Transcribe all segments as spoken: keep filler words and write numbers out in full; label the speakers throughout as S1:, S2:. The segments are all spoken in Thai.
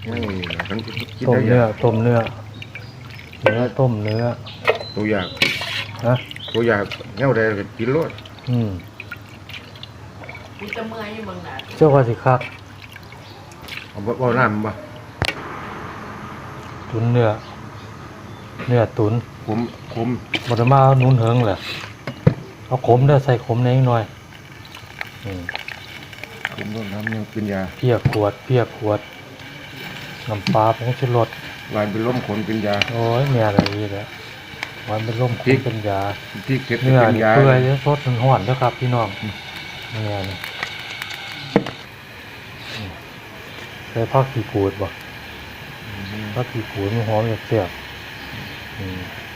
S1: ไม่ทั้งกิน
S2: ต้ม
S1: ได้
S2: เนื้อ
S1: ยัง
S2: ต้มเนื้อเนื้อต้มเนื้อ
S1: ตัวอยาก
S2: ฮะ
S1: ตัวอยากเงี้ยได้กินรส
S2: อืม
S3: มีจะเมื่อยอยู่เมืองไหน
S2: เจ้าว่าสิคัก
S1: เอาบ่บ่น้ำบ่
S2: ตุนเนื้อเนื้อตุน
S1: ขมขม
S2: บ่ได้มาหนุนเหิงแหละเอาขมเด้อใส่ขมในนิดหน่อยอืม
S1: ขมรสน้ำยังเป็นยา
S2: เพียขวดเพียขวดน้ำปลาผงชูรส
S1: ลายเป็นล้มขนเป็นยา
S2: โอ้ยแม่อะไรนี่แหละมันเป็นร่ม
S1: พริ
S2: คุ
S1: ก
S2: เป็นยา
S1: ที่เก็บ
S2: เนื้อ
S1: เป็น
S2: นี่
S1: ยา
S2: เปื่อยแล้วสดมันห่อนแล้วครับพี่น้องเนื้อนี่อืมใส่ผักขี้กูดบ่ผักขี้กูดมันหอมเสียบๆอืม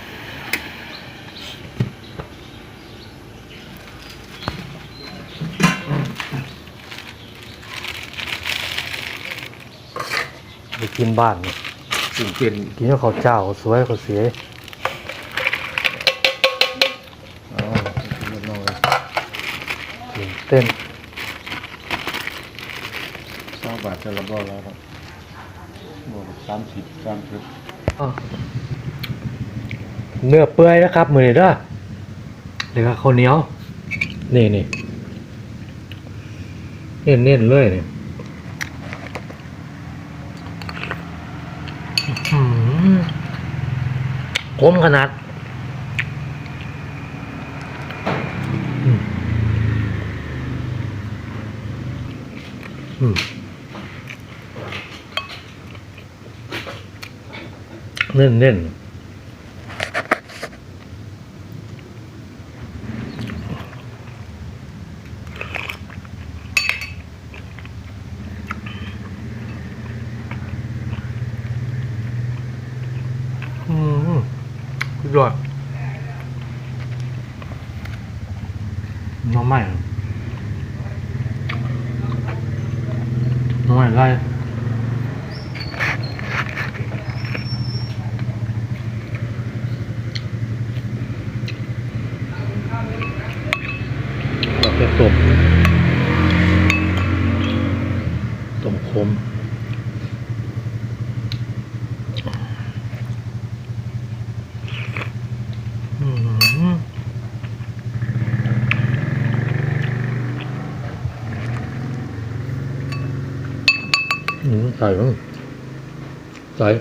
S2: ไปกินบ้านนี่
S1: สิ่งเป็น
S2: กินกับข้าวเจ้าสวยข้าวเสีย
S1: อ๋อรสน้อย
S2: กินเต้น
S1: สามบาทจะละบ่แล้วครับบ่สามสิบสามสิบ
S2: เนื้อเปื่อยนะครับมือนี้เด้อเดี๋ยวข้าวเหนียว นี่นี่เน้นเน้นๆเลยนี่อื้อหือคมขนาดอืมอืมเน้นเน้นอืมสุดยอดน้องใหม่น้องใหม่ไล่เราจะต้มต้มขมอืมอืมใส่มั้งใส่